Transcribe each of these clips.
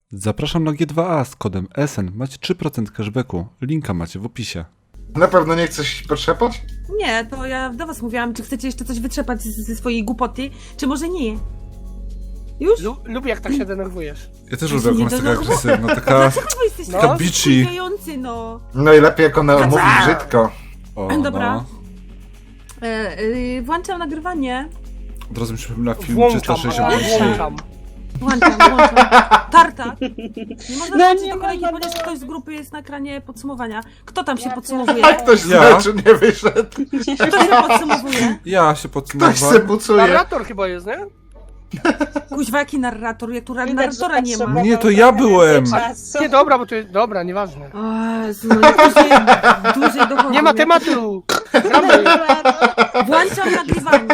Zapraszam na G2A z kodem SN. Macie 3% cashbacku. Linka macie w opisie. Na pewno nie chcesz potrzepać? Nie, to ja do was mówiłam, czy chcecie jeszcze coś wytrzepać ze swojej głupoty, czy może nie. Już? Lubię jak tak się denerwujesz. Ja też Ja lubię, się jak ona nie jest taka denerwuję. agresywna, taka... Dlaczego wy jesteście No. Taka taki bitchy. wkurwiający, no? No i lepiej jak ona mówi brzydko. O, Dobra. no. Włączam nagrywanie. Od razu mi przypomina film Włączam. 360. Włączam. Włączam. Tartak. Nie można No włączyć nie do kolejki, można ponieważ było. ktoś z grupy jest na ekranie podsumowania. Kto tam się Ja podsumowuje? A ktoś z Ja? meczu nie wyszedł. Kto się podsumowuje? Ja się Ktoś se podsumowałem. bucuje. Narrator chyba jest, nie? Kuźwa, jaki narrator? Jak tu Widać, narratora że nie ma. potrzebował Nie, to ja trochę byłem. więcej czasu. Nie, dobra, bo to jest... Dobra, nieważne. O Jezu, no dłużej dochodzi. Nie ma tematu! Gramy. Włączam nagrywanie.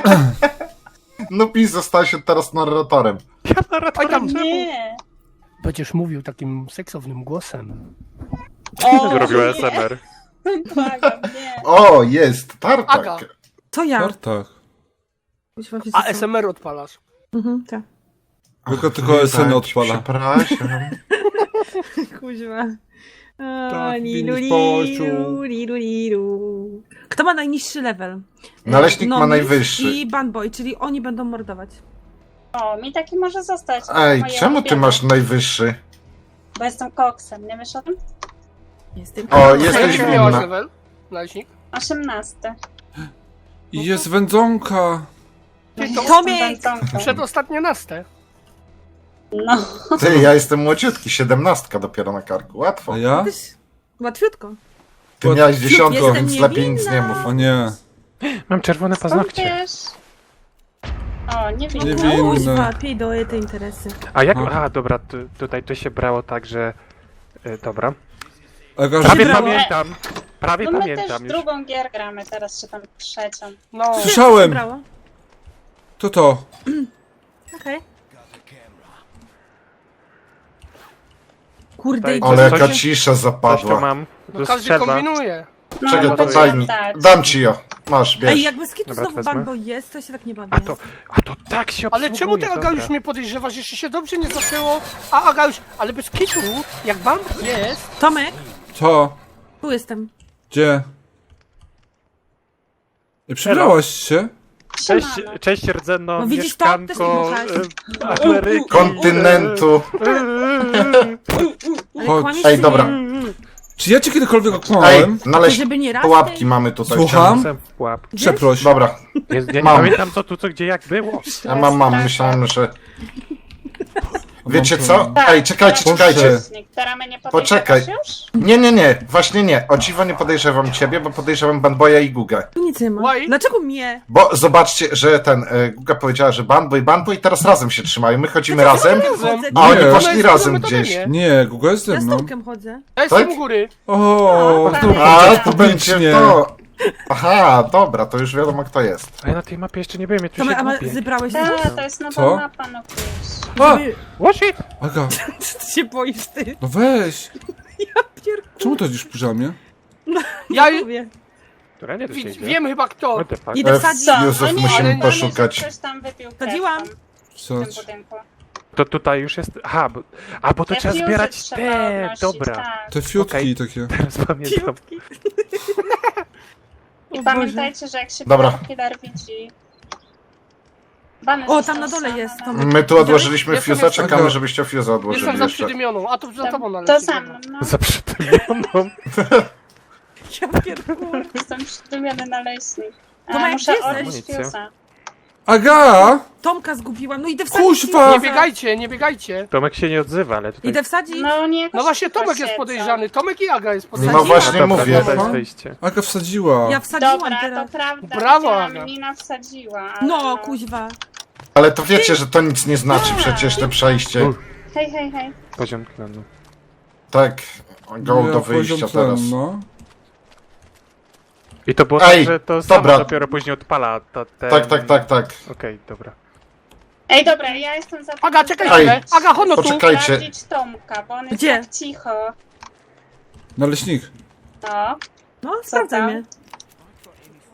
No PiS został się teraz narratorem. Oj tam. Nie. Będziesz mówił takim seksownym głosem. O, Zrobił nie. ASMR. Błagam, nie. O, jest, Aga. tartak. To ja. Tartak. Kuźwa, wszyscy A są. SMR odpalasz. Tak. Tylko SN odpala. Przepraszam. Kuźwa. Tak, Lilu, widzisz, lilu, lilu, lilu. Kto ma najniższy level? Naleśnik ma Nomis najwyższy. I Banboy, czyli oni będą mordować. O, mi taki może zostać. Ej, Moje czemu ty ulubione. masz najwyższy? Bo jestem koksem, nie wiesz o tym? Jestem. O, A jesteś jaki miałaś winna. level? Naleśnik? 18. I jest wędzonka. Ty to Tomiek! przedostatnie naste. No, Ty, ja jestem młodziutki, 17 dopiero na karku, łatwo. A ja? Też łatwiutko. Ty miałeś Jestem 10, więc lepiej nic niewinna. nie mów. O nie. Mam czerwone skąd paznokcie. wiesz? O, nie wiem. Nie wiem. Kuźwa, pij do te interesy. A jak... No. A, dobra, tutaj to się brało tak, że... Dobra. Aga, Prawie brało. pamiętam. Prawie No my też pamiętam już. drugą gier gramy, teraz czy tam trzecią. No. Słyszałem. Brało. To. Okej. Kurde, Tutaj- idzie. Ale Coś- jaka cisza Coś tu zapadła. mam. No Tu każdy strzelba. kombinuje. No, Czekaj, no to to daj mi. dać. Dam ci ją. Masz, Ej, bierz. jakby skitu Dobra, znowu wezmę. Banboy jest, to się tak nie bawi. A to tak się Ale obsługuje, czemu ty, Aga, dobra. już mnie podejrzewasz? Jeszcze się dobrze nie zaczęło. A Aga już... Ale bez kitu, jak bank jest... Tomek, To. tu jestem. Gdzie? I przebrałaś się? Cześć, Siemano. cześć rdzenno, No widzisz to? Też nie mieszkanko dmuchałeś. Ameryki. Kontynentu. Ale Chodź. kłamiesz, Ej, czy dobra. nie? Czy ja cię kiedykolwiek Ej, okłamałem? naleźć Żeby nie raz, pułapki mamy tutaj. Słucham? Jestem w pułapce. Przeproś. Dobra, Ja nie Mam. pamiętam co tu, co gdzie, jak było. ja mam, myślałem, że... Wiecie co? Ej, czekajcie, Proszę. czekajcie. Teraz mnie nie Poczekaj. podejrzewasz już? Nie, właśnie nie. O dziwo nie podejrzewam ciebie, bo podejrzewam Banboya i Gugę. Tu nic nie ma. Why? Dlaczego mnie? Bo zobaczcie, że Guga powiedziała, że Banboy teraz razem się trzymają. My chodzimy razem, Chodzę. a oni Nie. poszli No, razem jest gdzieś. nie. Nie, Google jest ze Ja z mną. Tomkiem chodzę. Ja jestem Tak? u góry. O, tak. znów A, powiedzieć to będzie publicznie. to. Aha, dobra, to już wiadomo kto jest. A ja na tej mapie jeszcze nie byłem, ja tu Tomek, się a gubię. zebrałeś się? To jest nowa Co? mapa, no wiesz. A, What shit? Aga, Co ty się boisz, ty? no weź. Pierdolę. Czemu to dziś w piżamie? Ja Mówię. Która nie, to się idzie. wiem chyba kto. What the fuck? Idę wsadzić. Co? Józef, No nie, musimy ale poszukać. Ktoś tam wypił krew Wsadziłam. tam w tym Wsadź. budynku. To tutaj już jest... Aha, bo to trzeba Defuzy zbierać trzeba te... odnosić, Dobra, tak. Te fiutki Okej. takie. teraz pamiętam. I O pamiętajcie, że jak się Dobra. killer widzi... Bany O, został tam na dole sam, jest, no. Tomek. My tu odłożyliśmy Jestem, fiusa, jestem. czekamy, żebyście fiusa Jestem odłożyli za jeszcze. przydymioną, a to za tobą To należy. sam, no. Za przytymioną. Ja pierdolę. Jestem przydumiony naleśnik. Tomek, Muszę gdzie odbić jesteś? fiusa. Aga! Tomka zgubiłam. No idę wsadzić. Kuźwa! Nie biegajcie, nie biegajcie. Tomek się nie odzywa, ale tutaj... Idę wsadzić. No nie, No właśnie szybko Tomek jest siedzą. podejrzany. Tomek i Aga jest No podejrzany. właśnie Dobra, mówię. To jest Aha. wyjście. Aga wsadziła. Ja wsadziłam Dobra, teraz. to prawda. Brawo, widziałam, Aga. Nina wsadziła. Ale No, kuźwa. Ale to wiecie, że to nic nie znaczy przecież te przejście. Hej, hej, hej. Poziom tlenu. Tak, go Ja do wyjścia poziom teraz. ten, no. I to było Ej, tak, że to samo dobra. dopiero później odpala ten... Tak. Okej, dobra. Ej, dobra, ja jestem za Aga, czekaj Ej, chwilę. Aga, hono tu. poczekajcie. sprawdzić Tomka, bo on jest Gdzie? tak cicho. Naleśnik. No. No, Co sprawdzaj tam? mnie.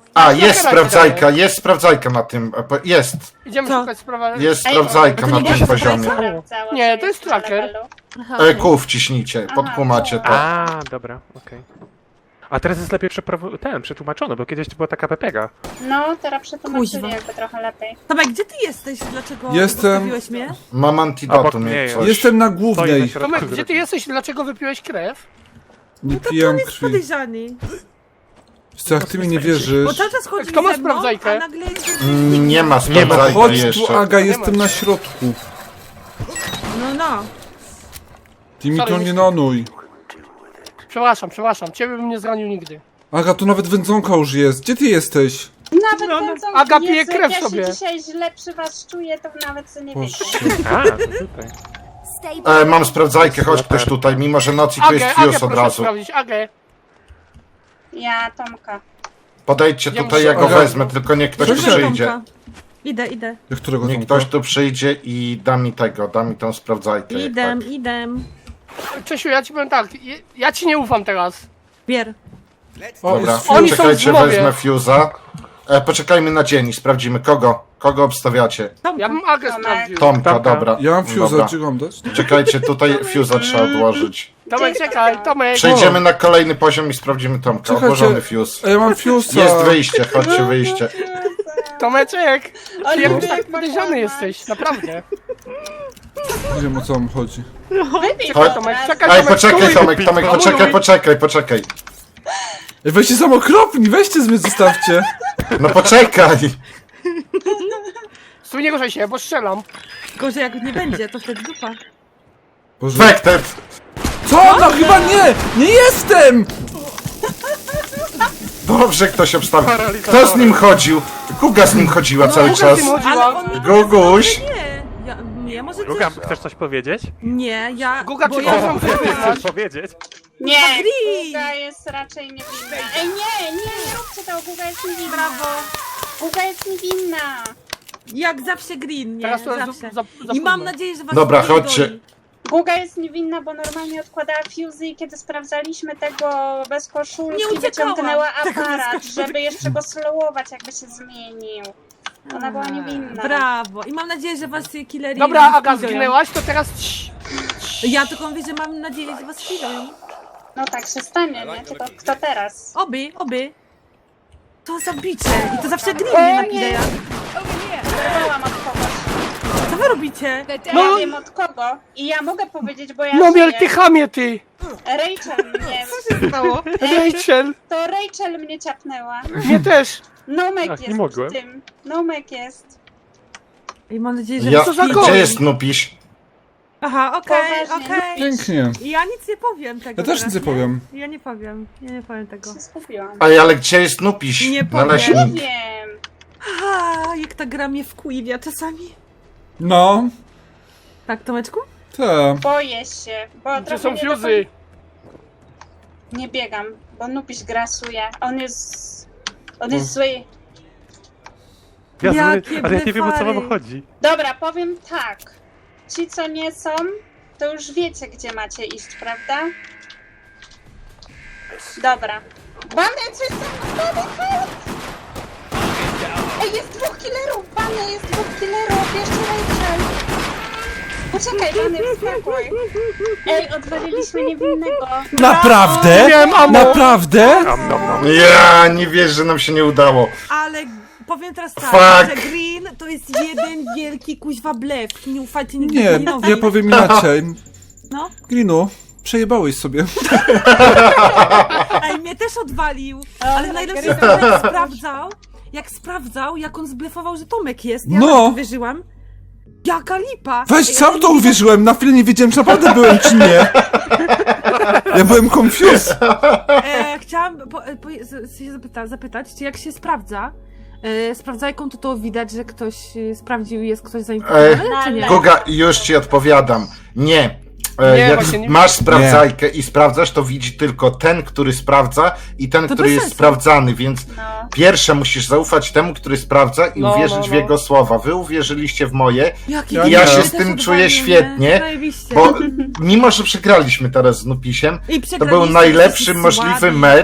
A, jest sprawdzajka na tym, jest. Idziemy Co? szukać sprawa. Jest Ej, sprawdzajka to na nie tym jest poziomie. Sprawdzała, Nie, czy to jest jest na tracker. levelu. Aha, Q wciśnijcie, podkumacie to. A, dobra, okej. A teraz jest lepiej przetłumaczone, bo kiedyś to była taka pepega. No, teraz przetłumaczyli Kuźwa. jakby trochę lepiej. Tomek, gdzie ty jesteś? Dlaczego Jestem- zostawiłeś mnie? Mam Obok antidotum mnie jak jest. coś. Jestem na Stoi na głównej. środku Tomek, gdzie ty drogi. jesteś? Dlaczego wypiłeś krew? Nie No to pijam on jest krwi. podejrzany. Co, jak ty mi nie Bo wierzysz? cały czas chodzi Kto ma ze mną, sprawdzajkę? a nagle jest... Nie ma Nie ma. sprawdzajka Chodź tu, jeszcze. Aga, Nie jestem ma. na środku. No. Ty mi Sorry, to nie- nie nonuj. Przepraszam, przepraszam. Ciebie bym nie zranił nigdy. Aga, tu nawet wędzonka już jest. Gdzie ty jesteś? Nawet No, będą... Aga pije Jezu, krew jak sobie. Ja się dzisiaj źle przy was czuję, to nawet sobie nie Boże. wiecie. A, to tutaj. Mam sprawdzajkę, chodź ktoś tutaj, mimo że nocy tu jest Agę fuse od proszę razu. sprawdzić, Agę. Ja, Tomka. Podejdźcie Ja tutaj, muszę- ja go Aga. wezmę, tylko niech ktoś Proszę. przyjdzie. Idę. Jak którego Niech Tomka? ktoś tu przyjdzie i da mi tą sprawdzajkę. jak tak. Idę. Czesiu, ja ci powiem tak. Ja ci nie ufam teraz. Bier. O, Dobra, jest Oni fuse. są czekajcie, w zmowie. wezmę fuse'a. Poczekajmy na dzień i sprawdzimy kogo. Kogo obstawiacie? Tomka. Ja bym Agę Tomek. sprawdził. Tomka, Tomka. dobra. Ja mam fuse, Dobra. gdzie mam dać? Czekajcie, tutaj fuse'a trzeba odłożyć. Tomek, czekaj, Tomek. Przejdziemy na kolejny poziom i sprawdzimy Tomka. Czekajcie. Odłożony fuse. A ja mam fuse'a. Jest wyjście, chodźcie, wyjście. Tomeczek. Ale Ty jakoś jak tak ma podejrzany kłamać? jesteś, naprawdę. Nie wiem, o co wam chodzi. Wypij Chodź. to Tomek, teraz. czekaj, Ej, Tomek, poczekaj stój. Tomek, Stój. poczekaj. Ej, weźcie sam okropni, weźcie z mnie, zostawcie. No poczekaj! Stój, nie ruszaj się, bo strzelam. Gorzej jak nie będzie, to wtedy dupa. Boże. Wektet! Co? No chyba nie! Nie jestem! Dobrze ktoś obstawił. Kto z nim chodził? Kuga z nim chodziła cały Kuga czas. z nim chodziła. Ale on mi Guguś! Nie, może Guga, coś... chcesz coś powiedzieć? Nie, ja... Guga, bo czy ja możesz mam wyznać? Chcesz powiedzieć? Nie, Green. Guga jest raczej niewinna. Ej, nie róbcie tego, Guga jest niewinna. Brawo. Guga jest niewinna. Jak zawsze green, nie? Teraz to jest Zawsze. za I mam późno. nadzieję, że was Dobra, nie chodźcie. goni. Guga jest niewinna, bo normalnie odkładała fuzy i kiedy sprawdzaliśmy tego bez Nie koszulki, uciekałam. wyciągnęła Tego bez aparat, koszulki. żeby jeszcze go slowować, jakby się zmienił. Ona była niewinna. Brawo. I mam nadzieję, że was killeri... Dobra, Aga, zginują. zginęłaś, to teraz... Ja tylko mówię, że mam nadzieję, że was killają. No tak się stanie, nie? Tylko kto teraz? Oby. To zabicie. I to zawsze green mnie napileja. Wołam od kogoś. Co wy robicie? Ja wiem od kogo i ja mogę powiedzieć, bo ja No miel, żyję. ty chamie, ty! Rachel mnie... Stało? Rachel! To Rachel mnie ciapnęła. Mnie też! Nomek Ach, nie jest mogłem. w tym. Nomek jest. I mam nadzieję, że... Ja, Co za gdzie gość? jest Nupiś? Aha, okej. Poważnie. Pięknie. Ja nic nie powiem tego Ja też teraz, nic nie powiem. Ja nie powiem tego. Się skupiłam. Ej, ale gdzie jest Nupiś? Nie powiem. Naleśnik. Wiem. Aha, jak ta gra mnie wkuwia czasami. No, Tak, Tomeczku? te. Boję się, bo Gdzie trochę są nie fuzy? Nie biegam, bo Nupiś grasuje. On jest zły. Ja Jakie ale ja nie wiem, o co wam blefary. chodzi. Dobra, powiem tak. Ci, co nie są, to już wiecie, gdzie macie iść, prawda? Dobra. Bany, coś tam... Bany, help! Ej, jest dwóch killerów! Bany, jest dwóch killerów! Jeszcze Rachel! Poczekaj, Bany, wskakuj. Ej, odwaliliśmy niewinnego. Naprawdę? Wiem, amo. Naprawdę? Ja nie wierzę, że nam się nie udało. Ale powiem teraz tak, Fuck. że Green to jest jeden wielki kuźwa blef. Nie ufajcie nigdy Nie, Greenowi. ja powiem inaczej. No, Greenu, przejebałeś sobie. ej, mnie też odwalił. No, Ale najlepsze jest to, jak sprawdzał, jak on zblefował, że Tomek jest. Ja No. no. Wierzyłam. Jaka lipa. Weź, Ej, sam ale to nie- uwierzyłem, na chwilę nie wiedziałem, czy naprawdę byłem, czy nie. Ja byłem confused. Chciałam się zapytać, czy jak się sprawdza, sprawdzajką to widać, że ktoś sprawdził i jest ktoś zainteresowany, czy nie? Guga, już ci odpowiadam. Nie. Nie, Jak właśnie nie- masz sprawdzajkę i sprawdzasz, to widzi tylko ten, który sprawdza i ten, To który bez jest sensu. sprawdzany, więc No. pierwsze musisz zaufać temu, który sprawdza i No, uwierzyć no, w no. jego słowa. Wy uwierzyliście w moje, Jaki Ja genialny, się też z tym odwalił czuję mnie. świetnie, Zajebiście. bo mimo, że przegraliśmy teraz z Nupisiem, I to przegraliście, był najlepszy jesteście możliwy słabi. mecz.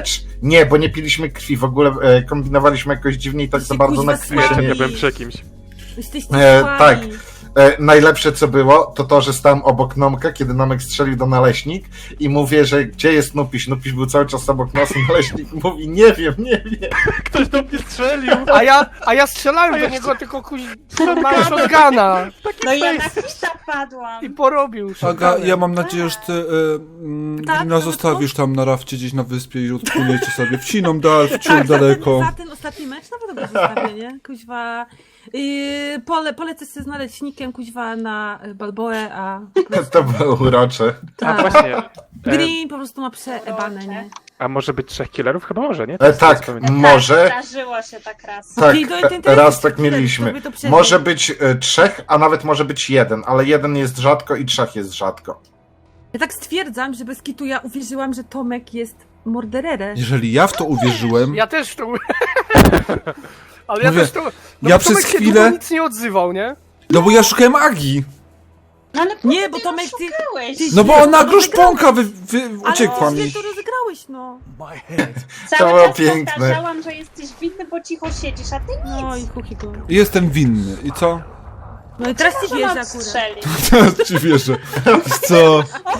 Nie, bo nie piliśmy krwi, w ogóle kombinowaliśmy jakoś dziwnie i tak za bardzo na krwi się nie... Ja byłem przy kimś. Jesteście tak. słabi. Najlepsze co było, to, że stałem obok Nomka, kiedy Nomek strzelił do naleśnik i mówię, że gdzie jest Nupiś? Nupiś był cały czas obok nas i naleśnik mówi, nie wiem. Ktoś do mnie strzelił! A ja strzelałem do niego, tylko mam shotguna. No ja na kwita padłam. I porobił Aga, shotgunem. ja mam nadzieję, że ty Tak, Grina zostawisz tam na rafcie gdzieś na wyspie i odpłyniecie sobie wciną daleko. Tak, za ten ostatni mecz na pewno go zostawię, nie? Kuźwa. Polecę się z naleśnikiem, kuźwa, na Balboę, a To było urocze. A tak. właśnie. Green po prostu ma przeebane, nie? A może być 3 killerów? Chyba może, nie? Tak, pamiętam. może. Zdarzyło się tak raz. Tak, To raz tak mieliśmy. to by to przeżył. Może być 3, a nawet może być 1, ale 1 jest rzadko i 3 jest rzadko. Ja tak stwierdzam, że bez kitu ja uwierzyłam, że Tomek jest mordererem. Jeżeli ja w to uwierzyłem, Ja też to... Ale ja Mówię, też to... No ja bo Tomek przez się chwilę- długo nic nie odzywał, nie? no bo ja szukałem Agi. No ale Nie, bo ty Tomek, ją ty- szukałeś. ty- No bo ona No, gruszponka Ale uciekła źle mi. to rozegrałeś, no. Cały było czas piękne. powtarzałam, że jesteś winny, bo cicho siedzisz, a ty nic. No i chuchigo. Jestem winny. I co? No i teraz ci Może wierzę mam akurat. strzelić. Teraz ci wierzę. Co?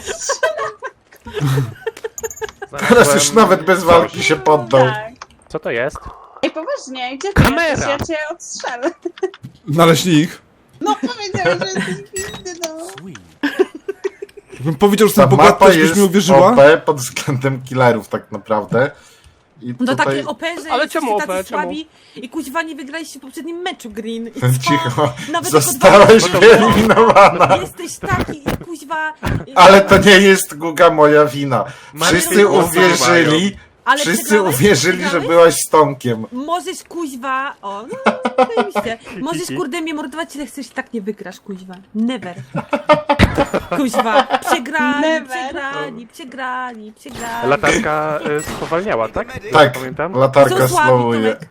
Teraz już nawet bez walki się poddał. Tak. Co to jest? Ej, poważnie, gdzie ty Kamera! jesteś? Ja cię odstrzelę. Naleśnik. No powiedziałeś, że jesteś winny, no. Bym powiedział, że Ta jestem mapa bogaty, byś jest mi uwierzyła? OP pod względem killerów tak naprawdę. I No tutaj... takie OP, że Ale jesteście czemu tacy OP? Czemu? słabi i kuźwa nie wygraliście w poprzednim meczu, Green. I co? Cicho, Nawet zostałeś jako wyeliminowana. Jesteś taki i kuźwa... Ale to nie jest, Guga, moja wina. Wszyscy Mają głosy uwierzyli, Ale wszyscy przegrałeś? uwierzyli, że Przegrałeś? byłaś z Tomkiem. Możesz kuźwa... O, no, zajebiście. Możesz kurde mnie mordować, ile chcesz, i tak nie wygrasz, kuźwa. Never. Kuźwa. Przegrani. Latarka spowalniała, tak? Tak, Pamiętam. latarka Są słabi, slowuje. Tomek.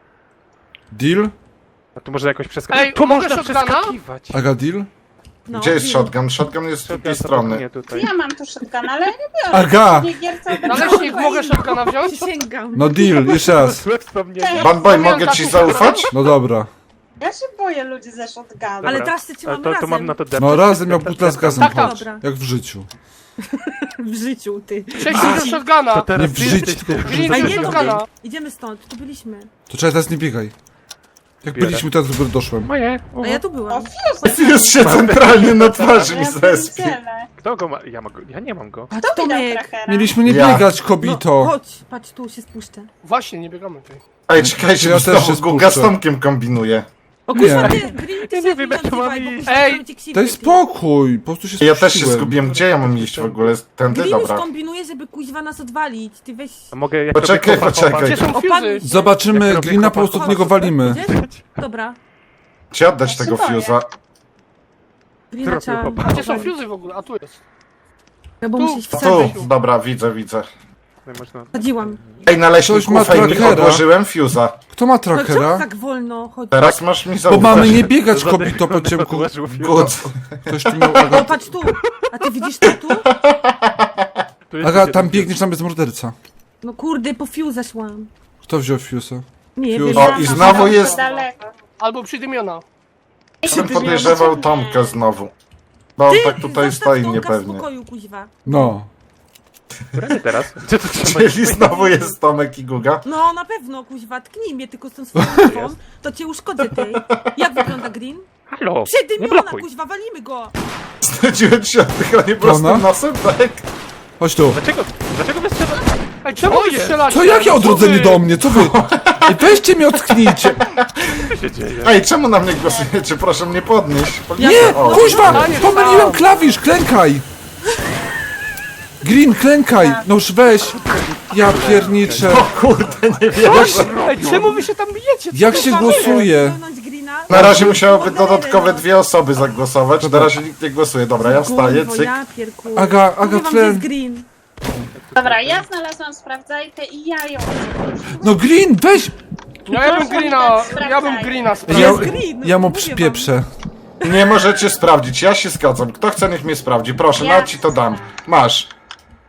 Deal? A tu może jakoś przeskakiwać. Ej, Tu mogę można shotguna? przeskakiwać. Aga, deal? No, Gdzie jest deal. shotgun? Shotgun jest z drugiej strony. Nie tutaj. Ja mam tu shotgun, ale ja nie biorę. Aga! Nie gierca Naleśnik, mogę shotguna wziąć? Przysięgam. No deal, jeszcze raz. Złe wspomnienie. Banboy, mogę ci zaufać? No dobra. Ja się boję ludzi ze shotgunu. Ale Dobra. teraz się trzymamy To razem. mam na to deptać. No razem jak butla z gazem, Tak, tak. chodź. Dobra. Jak w życiu. W życiu, ty. Przejdź do shotguna. To teraz Nie w ty życiu, jesteś tylko tym. w Green, A życiu. nie, shotguna. Tomek. Idziemy stąd, tu byliśmy. To czekaj, teraz nie biegaj. Jak Biorę. byliśmy, teraz dopiero doszłem. Moje. A ja tu O, byłam. Już się centralnie na twarzy mi ja zespie. pierdzielę. Kto go ma? Ja nie mam go. Patrz, Kto mi dał Tomek. trackera? Mieliśmy nie Ja. biegać, No, kobito. chodź, patrz, tu się spuszczę. Właśnie, nie biegamy tutaj. Ej, czekajcie, Ja bo też się znowu Guga z spuszczę. Tomkiem kombinuje. O kurwa, Nie. ty, Green, ty Ja się nie wiem, jak to mam odzywaj, bo iść. kurwa, Ej, ci krzywdę, Daj ty. spokój, po prostu się Ja też się spuściłem. zgubiłem. Gdzie ja mam iść w ogóle? Tędy? Green już Dobra. kombinuje, żeby kuźwa nas odwalić. Ty weź... A mogę jak Poczekaj, robię kopa, poczekaj. Gdzie są Opadnij fuzy? się. Zobaczymy, Jak robię Glina, kopa. po prostu od niego walimy. Gdzie? Dobra. Ci oddać Ja się tego boję. fuse'a. Greena Zrobił trzeba... hopa. Gdzie są fuzy w ogóle? A tu jest. No bo Tu. muszę się Tu, wsadzać. dobra, widzę. Można... Wsadziłam. Ej, naleśnik, Ktoś ma ufaj mi, trackera. odłożyłem fuse'a. Kto ma No czemu trackera? tak wolno? Chodź. Teraz masz mi Bo zaufać. mamy nie biegać, kobito, po ciemku. Good. Ktoś tu miał No Aga. patrz tu. A ty widzisz to tu? Aga, tam biegniesz, tam jest morderca. No kurde, po fuse szłam. Kto wziął fuse'a? Nie Fuse. wiem. O, ja i tam- znowu Bardzo jest- daleko. Albo przydymiona. Bym podejrzewał Tomka znowu. Bo on tak tutaj Zostaw stoi Tomka w niepewnie. spokoju, kuźwa. No. Którędy teraz? Gdzie to Czyli znowu jest Tomek i Guga. No na pewno, kuźwa, tknij mnie tylko z tą swoją ręką, to cię uszkodzę tej. Jak wygląda Green? Halo! Nie Przedymiona, blokuj! kuźwa, walimy go! Znudziłem się oddychanie prostym Ona? nosem, tak? Chodź tu. Dlaczego wy strzelacie? Ej, czemu wy strzelacie? Co, jakie Co odrodzenie wy? do mnie? Co wy? Ej, weźcie mnie, ocknijcie. Co się dzieje? Ej, czemu na mnie głosujecie? Proszę mnie podnieść. Nie, O, kuźwa, Staniesz pomyliłem tam. klawisz, klękaj. Green, klękaj. No już weź. Ja pierniczę. O kurde, nie wiem. Ej, czemu wy się tam bijecie? Co Jak to się za- głosuje? Pełnąć Greena? Na razie musiałoby Morderem, dodatkowe no. 2 osoby zagłosować. Na razie nikt nie głosuje. Dobra, ja wstaję, Kurwo, cyk. ja pierku. Aga, Mówię wam, że tlen. jest Green. Dobra, ja znalazłam sprawdzajkę i ja ją... No Green, weź. No ja bym Greena, ja bym Greena Ja, sprawdził. Green, ja mu mówię wam. przypieprzę. Nie możecie sprawdzić, ja się zgadzam. Kto chce, niech mnie sprawdzi. Proszę, Ja na ci to dam. Masz.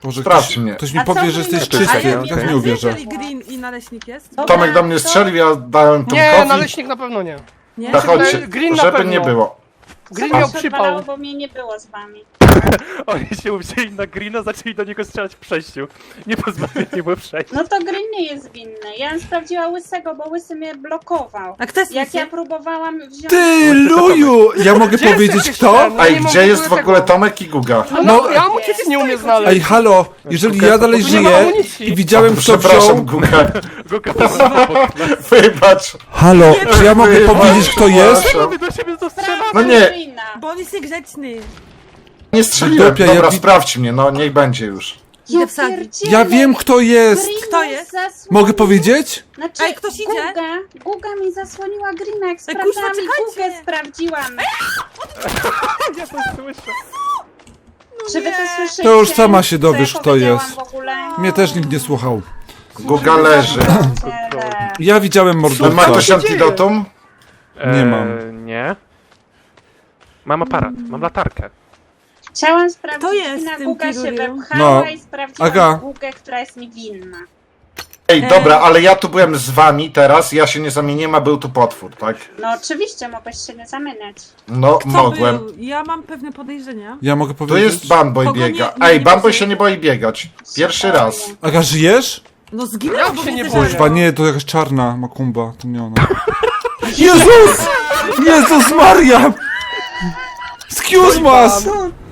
Boże, Sprawdź mnie. ktoś mi A co powie, że wy jesteś nie- A czysty, ja okej. tak nie uwierzę. Jeżeli green i naleśnik jest? Dobra, Tomek do mnie to- strzelił, ja dałem Nie, Tomkowi. naleśnik na pewno nie. Nie? Zachodźcie, Green na żeby pewno. nie było. Green Co miał się odwalało, przypał. bo mnie nie było z wami. Oni się uwzięli na Greena, zaczęli do niego strzelać w przejściu. Nie pozwolili mu przejść. No to Green nie jest winny. Ja bym sprawdziła Łysego, bo Łysy mnie blokował. A kto jest Jak ja Łysy? próbowałam wziąć... Ty, Luju! Ja mogę Gdzie powiedzieć jesteś? kto? No Ej, nie mam gdzie jest w tego. ogóle Tomek i Guga? No, ja mu cię nie umiem znaleźć. Ej, halo, jeżeli ja dalej Tu nie ma żyję amunicji. i widziałem kto Przepraszam, wziął... Guga. Go kapasował. Wybacz. Halo, czy ja mogę powiedzieć kto jest? Przepraszam. My do siebie to strzela. No nie. Greena. Bo on jest niegrzeczny. Nie strzeliłem. Dupia, Dobra, ja wi- sprawdź mnie, no niech będzie już. Idę wsadzić. pierdzielę. Ja wiem kto jest! Green Kto jest? zasłonił- Mogę powiedzieć? Znaczy, Ej, ktoś idzie? Guga mi zasłoniła Greena, jak Ej, kurwa, sprawdzałam i czekajcie. Gugę sprawdziłam. Ja to słyszę. Czy wy to słyszycie? To już sama się Co dowiesz, ja kto powiedziałam jest. w ogóle? Mnie też nikt nie słuchał. Guga leży. Pierdzielę. Ja widziałem Ma mordowca. ktoś antidotum? Nie mam. Nie. Mam aparat, mam latarkę. Chciałam sprawdzić, Kto jest Greena, tym Guga się piruriu? wepchała No. i sprawdziłam Aga. Gugę, która jest mi winna. Ej, dobra, ale ja tu byłem z wami teraz, ja się nie zamieniłem, a był tu potwór, tak? No oczywiście, mogłeś się nie zamieniać. No, Kto mogłem. był? Ja mam pewne podejrzenia. Ja mogę Tu powiedzieć? jest Bamboy Kogo nie- biega. nie- Ej, nie Bamboy będzie? się nie boi biegać. Pierwszy raz. Aga, żyjesz? No zginęła, Jak bo się mnie nie zeżarła. boję? Chyba nie, to jakaś czarna makumba, to nie ona. Jezus! Jezus Maria! Excuse us!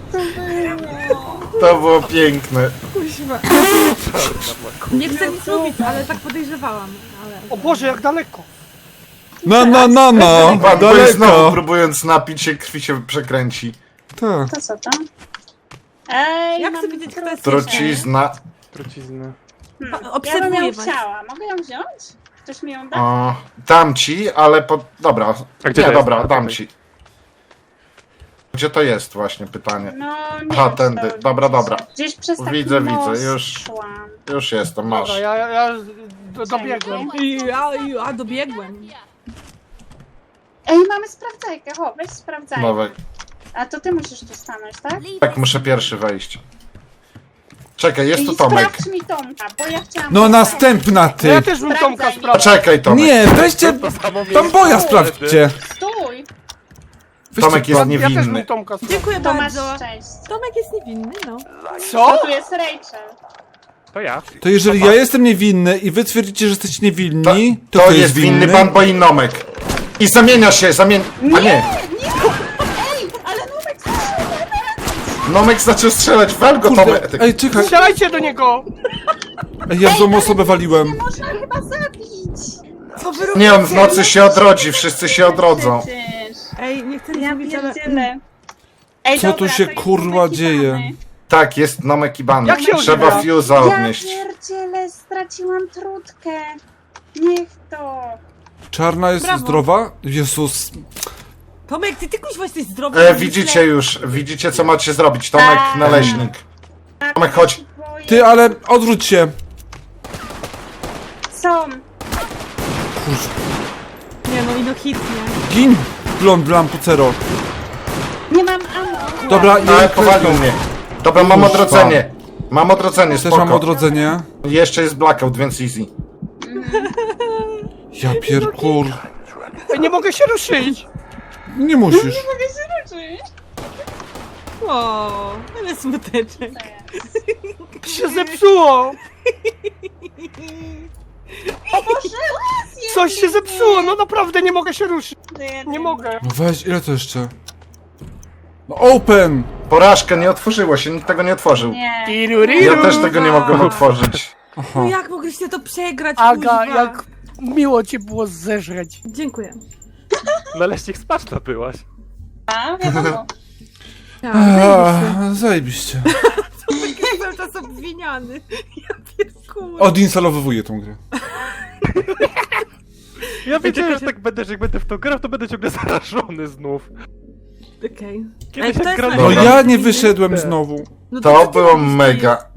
To było piękne. Kuźwa. Nie chcę nic mówić, ale tak podejrzewałam. Ale... O Boże, jak daleko. No, Bamboy znowu daleko. próbując napić się, krwi się przekręci. Tak. To co to? Ej, Jak mam chcę wiedzieć, kto jest Trucizna. Trucizny. Ja bym Obserwuję ją was. chciała. Mogę ją wziąć? Ktoś mi ją da? O, dam ci, ale po... Dobra. A gdzie Nie, to jest? dobra, A, dam tutaj. ci. Gdzie to jest właśnie pytanie? No, nie Aha, wiem, tędy. czy to Dobra, gdzieś- dobra. Gdzieś przez taki Widzę, most widzę, już. szłam. Już jestem, masz. Dobra, ja dobiegłem. A dobiegłem. Ej, mamy sprawdzajkę. Ho, weź sprawdzajkę. Nowek. A to ty musisz tu stanąć, tak? Tak, muszę pierwszy wejść. Czekaj, jest tu I Tomek. sprawdź mi Tomka, bo ja chciałam... No następna Ja ty! też bym Tomka Sprawdzaj. sprawdził. Czekaj, Tomek. Nie, weźcie Bamboya sprawdźcie! Stój! Weźcie Tomek jest Bam- Ja też bym niewinny. Tomka sprawdził. Dziękuję To masz bardzo. szczęście. Tomek jest niewinny, no. Co? To tu jest Rachel. To ja. To jeżeli ja jestem niewinny i wy twierdzicie, że jesteście niewinni, to To kto jest winny Bamboy i Nomek. I zamienia się, A nie. Ej, ale Numek strzela! Nomek zaczął strzelać, wal go Kurde, Tomek. ej, czekaj, Strzelajcie do niego! ej, ja w złą osobę waliłem. Nie można chyba zabić! Co wy Nie, on w nocy się odrodzi, wszyscy się odrodzą. Przecież. Ej, nie chcę nic Ja mówić, ale... pierdzielę. Ej, Co tu dobra, się, to jest kurwa, Numek i dzieje? Bany. Tak, jest Nomek i Ban. Jak się Trzeba używa? fuse'a Ja odnieść. pierdzielę, straciłam trutkę. Niech to. Czarna jest Brawo. zdrowa? Jezus. Tomek, ty kuźwa jesteś zdrowy. Widzicie już, widzicie co macie zrobić. Tomek, Tak. naleśnik. Tomek, chodź. Boję. Ty, ale odwróć się. Są. Nie no, ino hit, nie. Gin, blond lampucero. Nie mam ammo. Dobra, Ale ja powalił mnie. Dobra, mam Kurwa. odrodzenie. Mam odrodzenie, też mam spoko. odrodzenie. Jeszcze jest blackout, więc easy. Ja pierkur. Ej, nie mogę się ruszyć! Nie musisz. Mogę się ruszyć. O, ale smuteczek. Się zepsuło! Coś się zepsuło, no naprawdę nie mogę się ruszyć. Nie mogę. No weź, ile to jeszcze? No open! Porażka, nie otworzyło się, nikt tego nie otworzył. Nie. Ja też tego nie mogłem otworzyć. No Aha. jak mogliście to przegrać, Aga, kuźwa? jak miło cię było zeżreć. Dziękuję. Naleśnik spaczna byłaś. A, wiadomo. Zajebiście. Jest cały czas obwiniany. Ja pierkuję. Odinstalowuję tą grę. Ja wiedziałem, że tak będę, że jak będę w to grał, to będę ciągle zarażony znów. Okej. Kiedyś jak kto jest grałem- No Dobra. ja nie wyszedłem znowu. No To co ty było robisz, ty? mega.